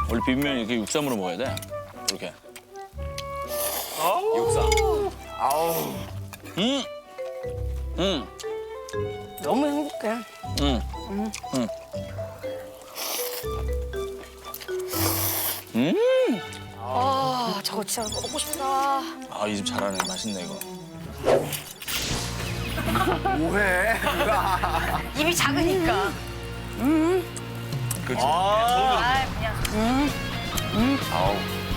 원래 비빔면 이렇게 육삼으로 먹어야 돼. 이렇게. 육삼. 너무 행복해. 아, 저거 진짜 먹고 싶다. 아, 이 집 잘하네. 맛있네, 이거. 뭐해? 입이 작으니까. 그렇지. 아, 그냥. 아우.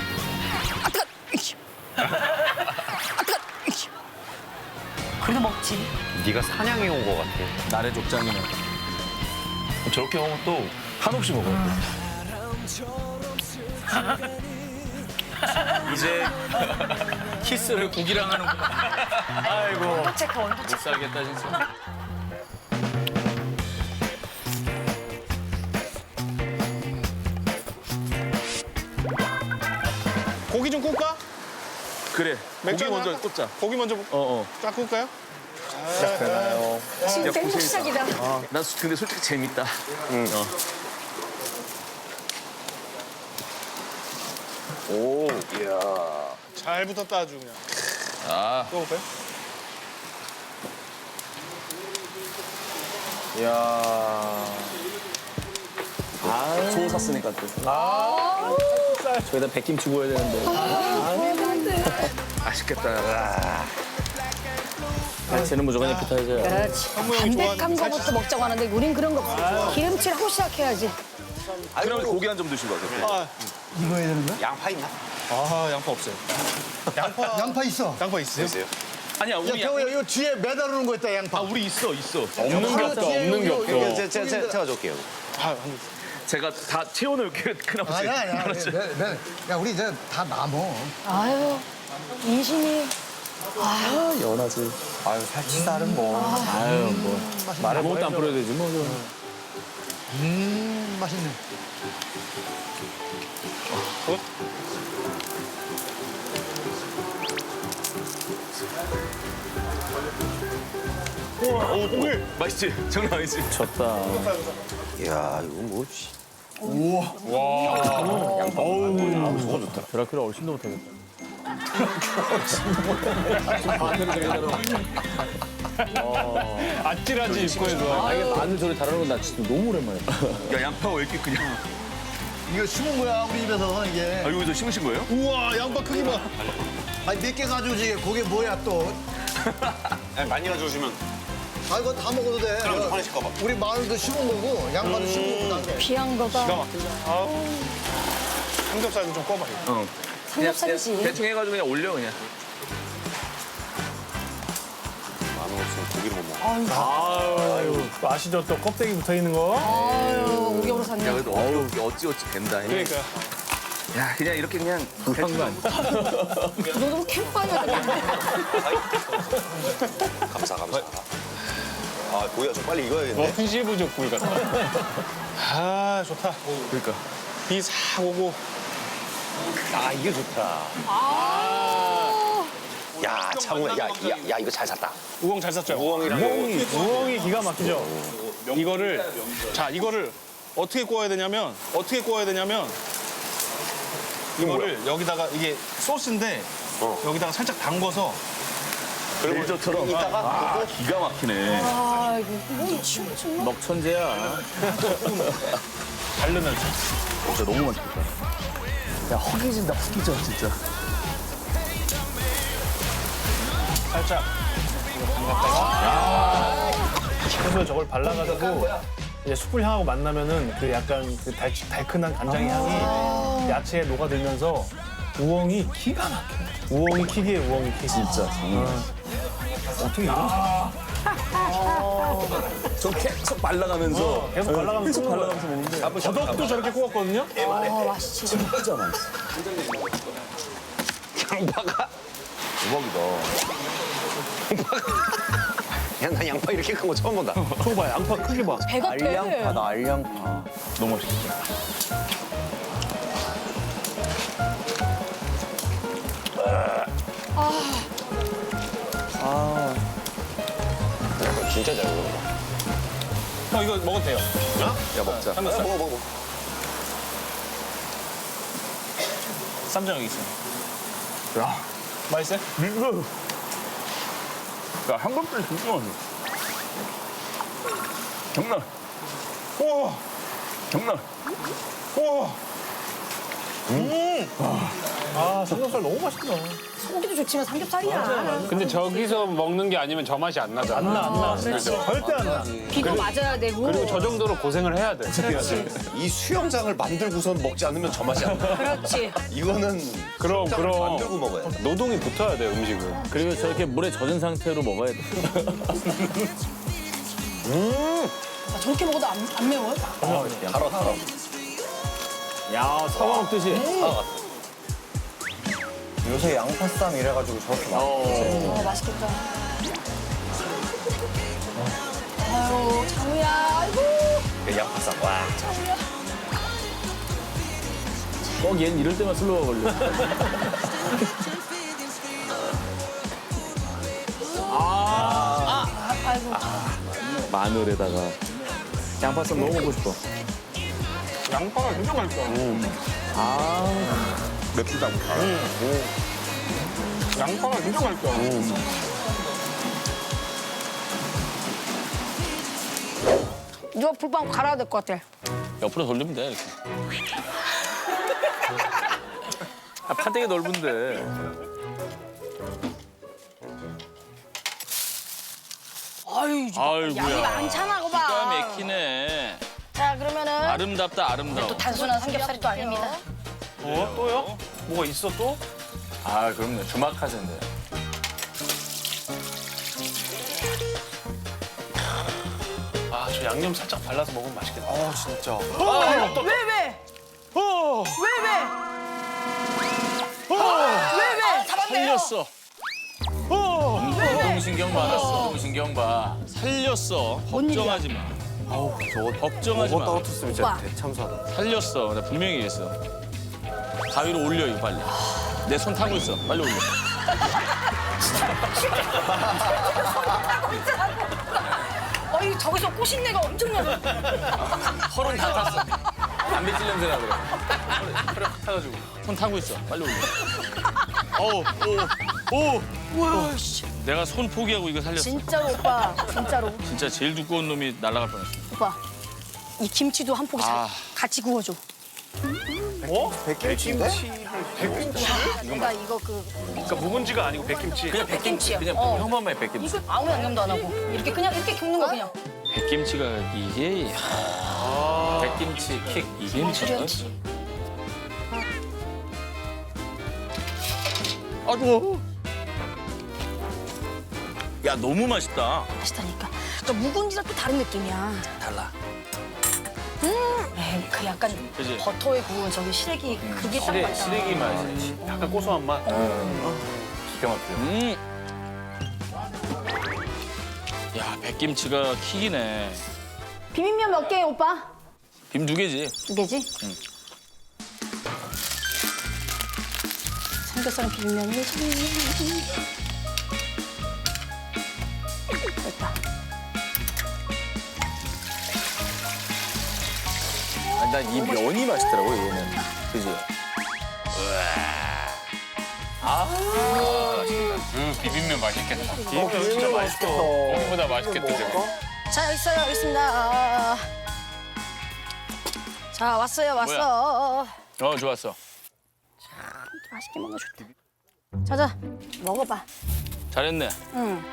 그래도 먹지. 네가 사냥해 온 거 같아. 나래 족장이네. 저렇게 먹으면 또 한없이 먹어요. 이제 키스를 고기랑 하는구나. 아이고. 온도 체크, 온도 못 체크. 살겠다, 진짜. 고기 좀 굽까? 그래. 맥주 고기 하나 먼저 할까? 꽂자. 고기 먼저 어. 쫙 굽까요? 지금 행복 시작이다. 난 근데 솔직히 재밌다. 오, 이야. 잘 붙었다 아주 그냥. 아, 또 볼까요? 이야. 소 샀으니까 또. 저기다 백김치 구워야 되는데. 맛있겠다. 쟤는 무조건 에피타이저야. 그렇지. 형이 좋아하는 담백한 거부터 먹자고 하는데 우린 그런 거 없어. 기름칠 하고 시작해야지. 그러면 고기 한 점 드시고 가세요. 아, 이거 해야 되는 거야? 양파 있나? 아 양파 없어요. 양파 있어. 양파 있어요? 있어요. 아니야, 야, 우리 태호야, 이거 뒤에 매달아놓은 거 있다, 양파. 우리 있어. 없는 게 없어, 없는 게 없어. 제가 가져올게요. 아, 제가 다 채워놓을게요. 큰아버지. 아니야. 야, 우리 이제 다 남어. 아유, 인심이. 연하지. 아유, 살치살은 뭐. 아유, 뭐. 아무것도 안 뿌려야 되지, 뭐. 맛있네. 오 고기. 맛있지? 장난 아니지? 졌다. 이야, 이거 뭐. 씨. 드라큘라 얼씬도 못하겠다. 아찔하지 입구에도. 아, 이게 마늘 소리 다루는 건 나 진짜 너무 오랜만이야. 야, 양파가 왜 이렇게 그냥. 이거 심은 거야, 우리 집에서, 이게. 아, 여기서 심으신 거예요? 우와 양파 크기 봐. 아니, 몇 개 가져오지, 그게 뭐야, 또. 많이 가져오시면. 아, 이거 다 먹어도 돼. 그럼 좀 화내실까 봐. 우리 마늘도 심은 거고, 양파도 심은 거고, 난 게. 귀한 거다. 아우. 삼겹살도 좀 꺼봐. 어. 삼겹살이지. 대충 해가지고 그냥 올려, 그냥. 마늘 없으면 고기를 못 먹어. 아유 아시죠 또 껍데기 붙어 있는 거. 아유, 오겹으로 샀네. 야, 그래도 어찌 된다. 그러니까. 야, 그냥 이렇게 그냥 불한 거 아니야? 그 정도면 캠프파이어야 되겠네. 감사. 아, 고기가 좀 빨리 익어야겠네. 분시부족 굴 같다. 아 좋다. 그러니까. 비 싹 오고. 아, 이게 좋다. 야, 창호야. 야, 이거 잘 샀다. 우엉 잘 샀죠? 우엉이랑 우엉이 기가 막히죠? 이거를 어떻게 구워야 되냐면 이거를 여기다가 이게 소스인데 여기다가 살짝 담궈서 멜젓처럼. 이따가 기가 막히네. 아, 이거 춤을 춘 먹천재야. 바르면서 진짜 너무 맛있겠다. 야, 허기진다, 진짜. 살짝 담갔다가 그래서 저걸 발라가지고 이제 숯불 향하고 만나면은 그 약간 그 달큰한 간장의 향이 야채에 녹아들면서 우엉이 기가 막혀. 우엉이 킥이에요, 우엉이 킥. 진짜. 어떻게 이런? 저 계속 발라가면서. 계속 발라가면서 계속 굽는 발라가면서 먹는데. 더덕도 저렇게 구웠거든요. 아, 맛있지. 진짜 맛있어. 양파가 대박이다. 야, 난 양파 이렇게 큰 거 처음 본다. 저거 봐, 양파 크기 봐. 배가 빼. 알양파. 너무 맛있어. 진짜 잘 먹는다. 이거 먹어도 돼요. 야, 먹자. 삼겹살. 먹어. 쌈장 여기 있어. 야, 맛있어요? 야, 한번도 진짜 맛있어. 장난. 우와. 장난. 우와. 아, 삼겹살 너무 맛있다. 소고기도 좋지만 삼겹살이야. 근데 저기서 먹는 게 아니면 저 맛이 안 나잖아. 안 나. 절대 안 나. 비도 맞아야 되고. 그리고 저 정도로 고생을 해야 돼. 이 수영장을 만들고선 먹지 않으면 저 맛이 안 나. 그렇지. 이거는 그럼, 수영장을 그럼. 만들고 먹어야 돼. 노동이 붙어야 돼, 음식은. 그리고 저렇게 물에 젖은 상태로 먹어야 돼. 아, 저렇게 먹어도 안 매워요? 달아. 야, 사과 먹듯이. 요새 양파쌈 이래가지고 저렇게 많이 맛있겠다. 아유, 장우야, 아이고. 양파쌈. 와. 꼭 얘는 이럴 때만 슬로우가 걸려. 아이고. 마늘에다가 양파쌈 너무 먹고 싶어. 양파가 진짜 맛있어. 맵다고. 양파가 진짜 맛있어. 누가 불빵 갈아야 될 것 같아. 옆으로 돌리면 돼, 이렇게. 아, 파되게 넓은데. 아유, 아이고야. 양이 많잖아, 그거 봐. 기가 막히네. 자, 그러면은 아름답다, 아름다워. 또 단순한 삼겹살이 또 아닙니다. 또요? 뭐가 있어 또? 아, 그럼요. 주막하세인데. 아, 저 양념 살짝 발라서 먹으면 맛있겠다. 아 진짜. 왜? 왜? 잡았네요. 살렸어. 운동신경 받았어. 운동신경 봐. 살렸어. 걱정하지 마. 아우 저거 걱정하지 마. 떨어졌으면 오빠. 진짜 대참사다. 살렸어. 내가 분명히 얘기했어. 가위로 올려, 이거 빨리. 내 손 타고 있어. 빨리 올려. 어이, 저기서 꼬신내가 엄청 나. 털은 다 탔어. 담배 찔 냄새나 그래. 털에 확 타가지고. 손 타고 있어. 빨리 올려. 우와, 씨. 내가 손 포기하고 이거 살렸어. 진짜로, 오빠. 진짜로. 진짜 제일 두꺼운 놈이 날아갈 뻔했어. 오빠, 이 김치도 한 포기 아. 같이 구워줘. 백김치인데? 내가 이거 그러니까 묵은지가 아니고 백김치. 그냥 백김치야. 그냥 어. 평범해, 백김치. 이거 아무 양념도 안 하고 이렇게 그냥 이렇게 굽는 거 그냥. 백김치가 이게 백김치 킥 이게 미쳤다. 그렇지. 아이고. 야, 너무 맛있다. 맛있다니까. 그러니까 묵은지랑 또 다른 느낌이야. 달라. 에이, 그 약간 그지? 버터에 구운 저기 시래기 그게 딱 맞아. 시래기 맛이. 약간 고소한 맛. 기가 막혀. 야, 백김치가 킥이네. 비빔면 몇 개, 오빠? 빔 2개지. 2개지? 응. 삼겹살은 비빔면이 됐다. 아니, 난 이 면이 맛있더라고, 얘는. 그지? 비빔면 맛있겠다. 비빔면 진짜 맛있어. 고기보다 맛있겠다, 저거. 자, 여기 있어요. 여기 있습니다. 자, 왔어요. 왔어. 좋았어. 맛있게 먹어 좋다. 자자, 먹어봐. 잘했네. 응.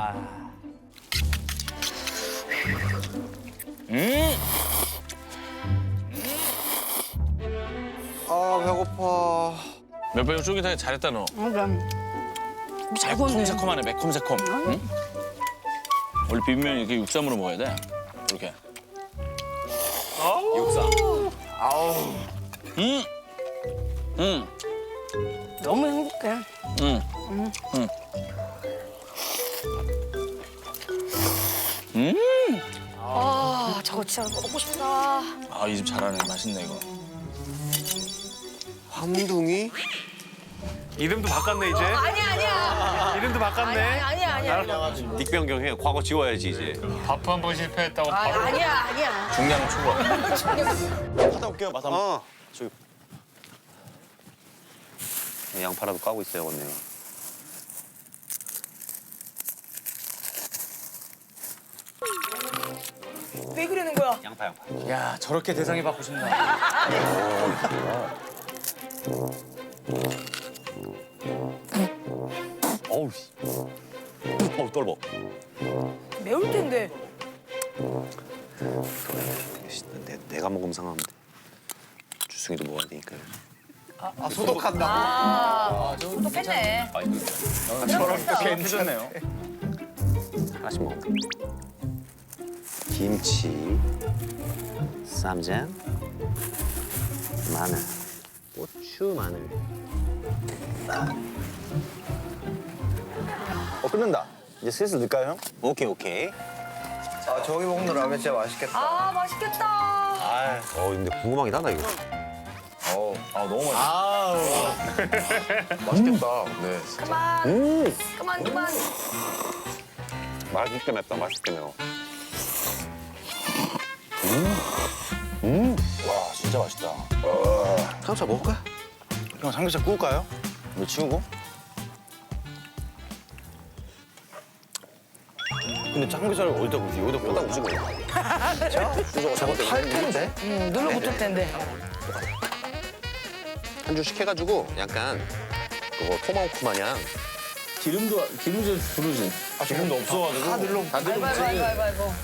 아 배고파. 몇 번 쫄깃하게 잘했다, 너. 그럼. 잘 구웠네. 새콤하네, 매콤새콤. 응? 원래 비빔면 이렇게 육삼으로 먹어야 돼. 이렇게. 육삼. 너무 행복해. 아, 저거 진짜 먹고 싶다. 아, 이 집 잘하네. 맛있네, 이거. 함둥이? 이름도 바꿨네 이제. 아니야. 이름도 바꿨네. 아니야. 닉변경해. 과거 지워야지 이제. 밥 한 번 실패했다고 바로. 아니야. 중량 초과. 하다 올게요. 맛 한번. 저기. 양파라도 까고 있어야겠네요. 왜 그러는 거야? 양파. 야 저렇게 대상이 받고 싶나? 어우 씨. 어우 떨어. 매울 텐데. 내가 먹으면 상하는데. 주승이도 먹어야 되니까. 아, 소독한다. 아, 똑똑했네. 저렇게 해주셨네요. 하나씩 먹어. 김치, 쌈장, 마늘, 고추, 마늘. 끓는다. 이제 슬슬 넣을까요, 형? 오케이. 아, 저기 먹는 라면 진짜 맛있겠다. 아, 맛있겠다. 근데 궁금하긴 하다, 이거. 너무 맛있어. 맛있겠다. 네. 그만. 맛있게 맵다, 맛있게 매워. 와, 진짜 맛있다. 삼겹살 먹을까? 형 삼겹살 구울까요? 이거 치우고? 근데 삼겹살을 어디다 구우지? 여기다 꽂다 구우지 그냥. 저거 탈 텐데? 눌러붙을 텐데. 한 줄씩 해가지고 약간 그거 토마호크 마냥 기름도 부르지. 기름도 없어가지고. 다 들어붙지. 아이고.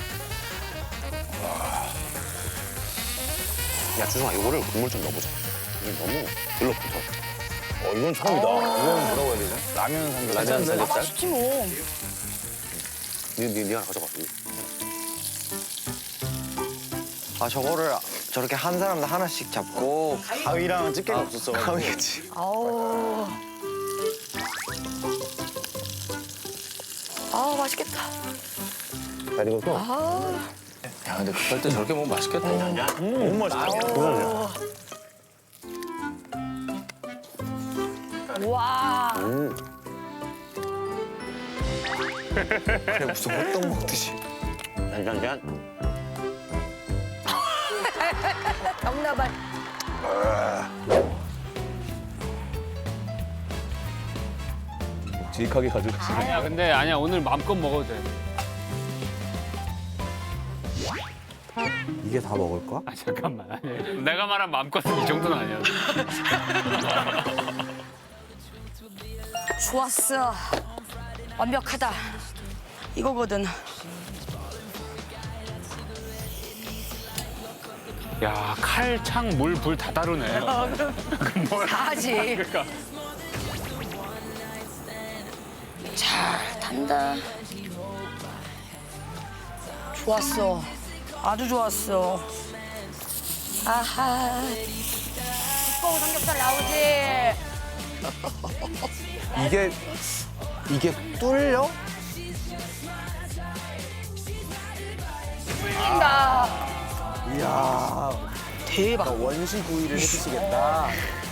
야 주성아 이거를 국물 좀 넣어보자. 이게 너무 들러붙어. 이건 처음이다. 이거는 뭐라고 해야 되죠? 라면 삼겹살. 라면 삼겹살? 맛있지 뭐. 니 하나 가져가. 아 저거를 저렇게 한 사람당 하나씩 잡고 가위랑 집게가 없었어. 가위겠지. 아우. 아, 맛있겠다. 잘 익었어? 야 근데 급할 때 저렇게 먹으면 맛있겠다. 너무 맛있다. 와. 그래 무슨 호떡 먹듯이. 짠짠짠. 정나발. 묵직하게 가져가시. 아니야 오늘 마음껏 먹어도 돼. 이게 다 먹을 거야? 아 잠깐만. 아니야. 내가 말한 마음껏은 이 정도는 아니야. 좋았어. 완벽하다. 이거거든. 야 칼, 창, 물, 불 다 다루네. 다 하지. 그러니까. 잘 탄다. 좋았어. 아주 좋았어. 아하. 두꺼운 삼겹살 나오지. 이게 뚫려? 뚫린다. 이야 대박. 원시 구이를 해주시겠다.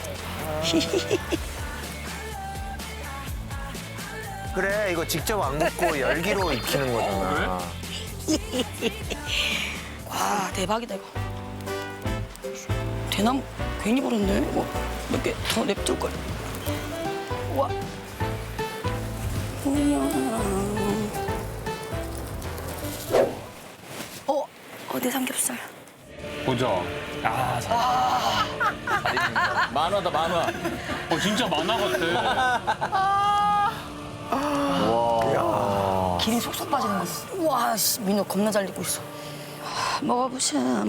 그래 이거 직접 안 굽고 열기로 익히는 거잖아. 와, 대박이다, 이거. 대나무 괜히 버렸네. 이거 몇 개 더 냅둘걸. 와. 내 삼겹살. 보자. 아 만화다 만화. 진짜 만화 같아. 기름 쏙쏙 빠지는 거. 우와, 씨, 민호 겁나 잘 익고 있어. 먹어보자.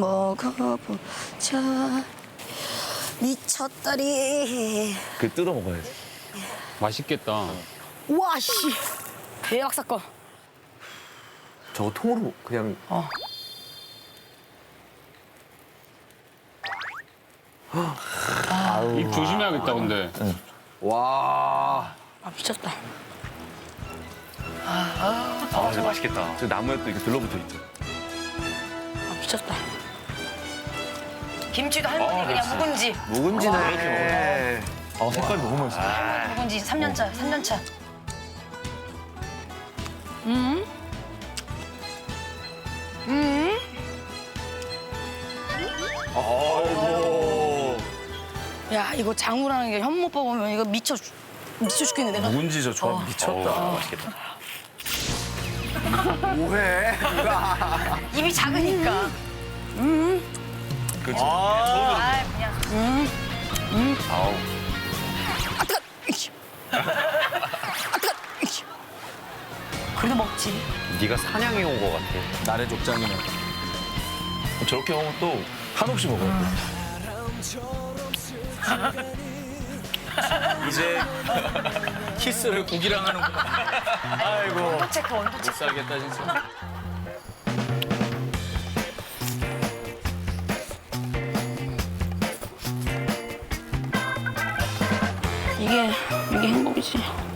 미쳤다리. 그 뜯어 먹어야지. 맛있겠다. 우와, 씨. 대박 사건. 저거 통으로 그냥 입 조심해야겠다 근데. 와. 아, 미쳤다. 진짜 맛있겠다. 저 나무에 또 이렇게 들러붙어 있죠. 아, 미쳤다. 김치도 할머니 그냥 묵은지. 묵은지네. 색깔이 너무 맛있어. 묵은지 3년차, 3년차. 야 이거 장우라는 게 현모빠 보면 이거 미쳐 죽겠네 내가. 누군지 저 조합 미쳤다. 맛있겠다. 뭐해? 입이 작으니까. 그치. 아 그냥. 아우. 아 뜨거. 아 뜨거. 그래도 먹지. 네가 사냥해 온 거 같아. 나래 족장이네. 저렇게 먹으면 또 한없이 먹어야 돼. 이제 키스를 고기랑 하는구나. 아이고. 온도 체크. 못 살겠다 진짜. 이게 행복이지.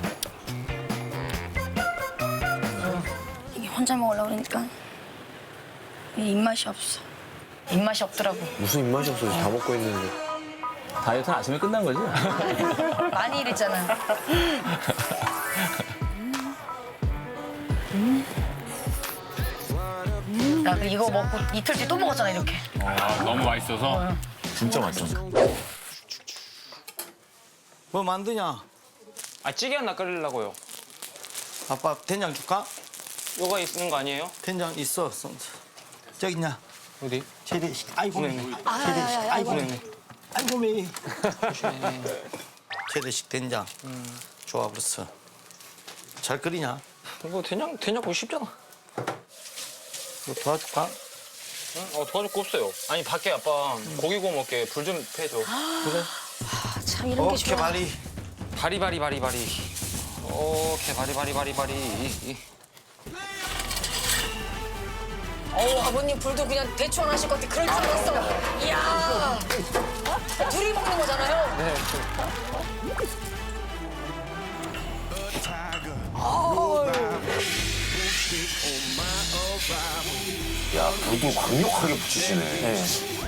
이게 혼자 먹으려고 그러니까 이게 입맛이 없어. 입맛이 없더라고. 무슨 입맛이 없어. 다 먹고 있는데. 다이어트는 아침에 끝난 거지? 많이 일했잖아. 야, 근데 이거 먹고 이틀 뒤에 또 먹었잖아, 이렇게. 아, 너무 맛있어서. 진짜 맛있어. 뭐 만드냐? 아 찌개 하나 끓이려고요. 아빠 된장 줄까? 요가 있는 거 아니에요? 된장 있어. 저기 있냐? 어디? 재래식. 아이고 매. 재래식. 아, 아이고 매. 아이고 매. 재래식 된장. 좋아 벌써. 잘 끓이냐? 이거 된장 구이 쉽잖아. 이거 도와줄까? 응? 도와줄 거 없어요. 아니 밖에 아빠 고기 구워 먹게 불 좀 패줘. 참 이런 게 오케이 좋아. 바리. 바리바리. 오케이 바리바리. 아버님 불도 그냥 대충 안 하실 것 같아. 그럴 줄 알았어. 이야. 둘이 먹는 거잖아요. 네. 야, 불도 강력하게 붙이시네.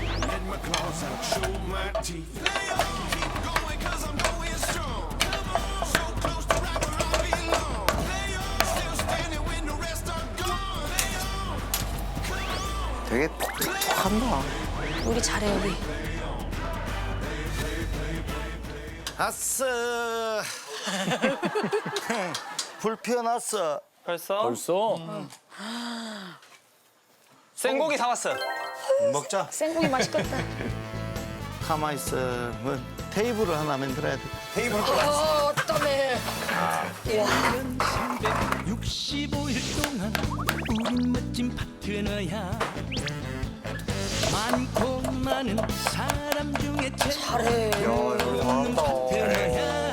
되게 톡톡한다. 우리 잘해, 우리. 아싸. 불 피워놨어. 벌써? 벌써? 생고기 사왔어. 먹자. 생고기 맛있겠다. 가만 있어. 뭐 테이블을 하나 만들어야 돼. 테이블 어떡해. 65일 동안 우린 멋진 파트너야. 많고 많은 사람 중에 잘해. 없는 파트너야.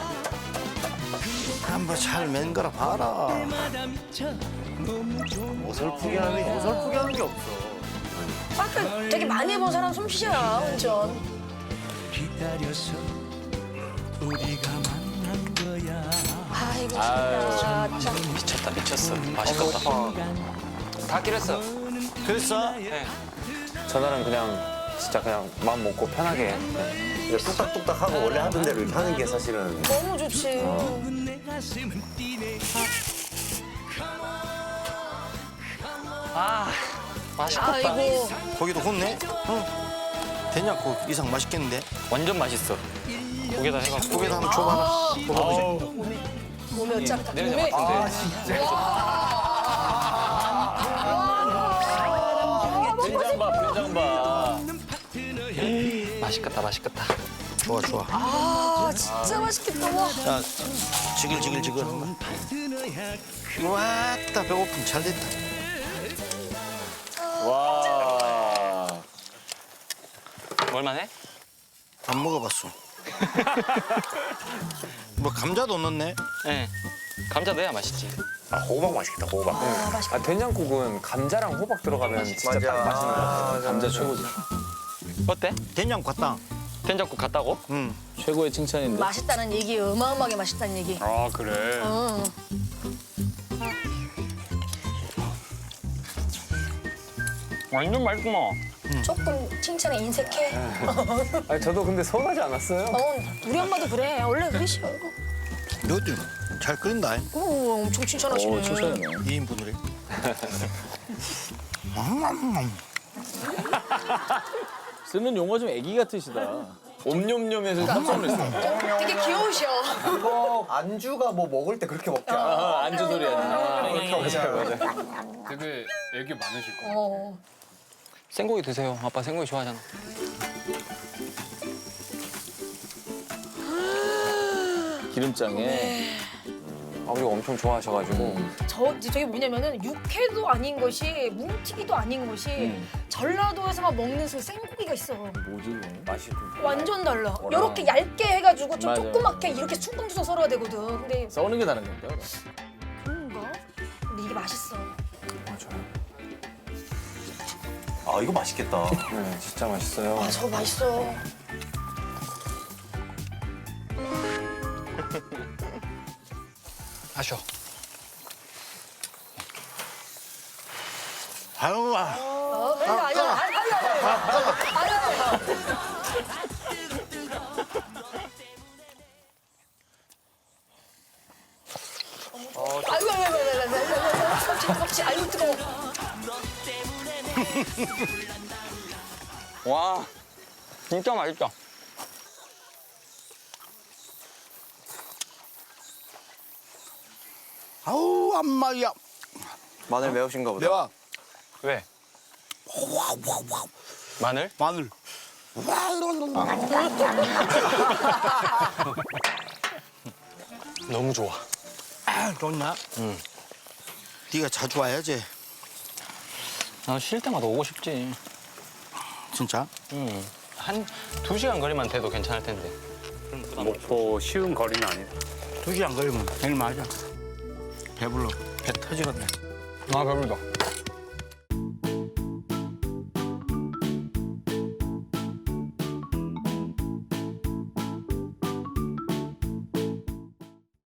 한번 잘 맨 거라 봐라. 때마다 미쳐 너무 좋은 어설프게 하는 게 없어. 아까 되게 많이 해본 사람 솜씨야, 운전. 기다려서 우리가 만난 거야. 아이고, 진짜. 미쳤어. 맛있겠다. 다 끓였어. 그랬어? 네. 전날은 그냥 진짜 그냥 마음 먹고 편하게. 이제 뚝딱뚝딱 하고 원래 하던 대로 이렇게 하는 게 사실은. 너무 좋지. 내 가슴은 뛰네. 아 맛있겠다. 아이고. 고기도 굽네? 응. 된장국 이상 맛있겠는데? 완전 맛있어. 고기다 해가지고. 고기도 한번 줘봐라. 먹어보자. 몸이 어쩌까. 내려자 같은데. 된장 봐. 맛있겠다. 좋아. 아, 진짜 맛있겠다. 와. 자, 지글지글 한번. 왔다, 배고픔 잘 됐다. 와. 뭘만 해? 안 먹어봤어. 뭐 감자도 넣네? 네. 감자 넣어야 맛있지. 아, 호박 맛있겠다, 호박. 아, 된장국은 감자랑 호박 들어가면 진짜 딱 맛있는 것 같아. 감자 최고지. 어때? 된장 과땅. 된장국 같다고? 응. 최고의 칭찬인데. 맛있다는 얘기, 어마어마하게 맛있다는 얘기. 아, 그래. 응. 완전 맛있구만. 조금 칭찬에 인색해. 아니, 저도 근데 서운하지 않았어요? 우리 엄마도 그래. 원래 그러셔. 너도 잘 끓인다. 오, 엄청 칭찬하시네. 오, 칭찬이네. 2인분으로. 쓰는 용어 좀 애기 같으시다. 옴뇸뇸해서 깜짝 놀랐어. 되게 귀여우셔. 이거 안주가 뭐 먹을 때 그렇게 먹지 않아? 안주 소리야. 되게 애교 많으실 거예요. 생고기 드세요. 아빠 생고기 좋아하잖아. 기름장에. 아버지가 엄청 좋아하셔가지고 저게 뭐냐면은 육회도 아닌 것이 뭉티기도 아닌 것이 전라도에서만 먹는 그 생고기가 있어. 뭐지 이거? 맛이 완전 달라. 이렇게 얇게 해가지고 좀 맞아. 조그맣게 이렇게 숭덩숭 썰어야 되거든. 근데 써는 게 다른 건가? 그런가? 근데 이게 맛있어. 아 이거 맛있겠다. 네, 진짜 맛있어요. 아, 저거 맛있어. 마셔. 아유, 아니야. 아유, 아유, 뜨거워. 와, 진짜 맛있다. 아우, 안마야. 마늘 매우신가 보다. 내가 왜? 마늘? 마늘. 너무 좋아. 아, 좋나? 응. 네가 자주 와야지. 나 쉴 때마다 오고 싶지. 진짜? 응. 한 2시간 거리만 돼도 괜찮을 텐데. 목포 쉬운 거리는 아니다. 2시간 걸리면 제일 맞아. 배불러. 배 터지겠네. 아, 배부르다.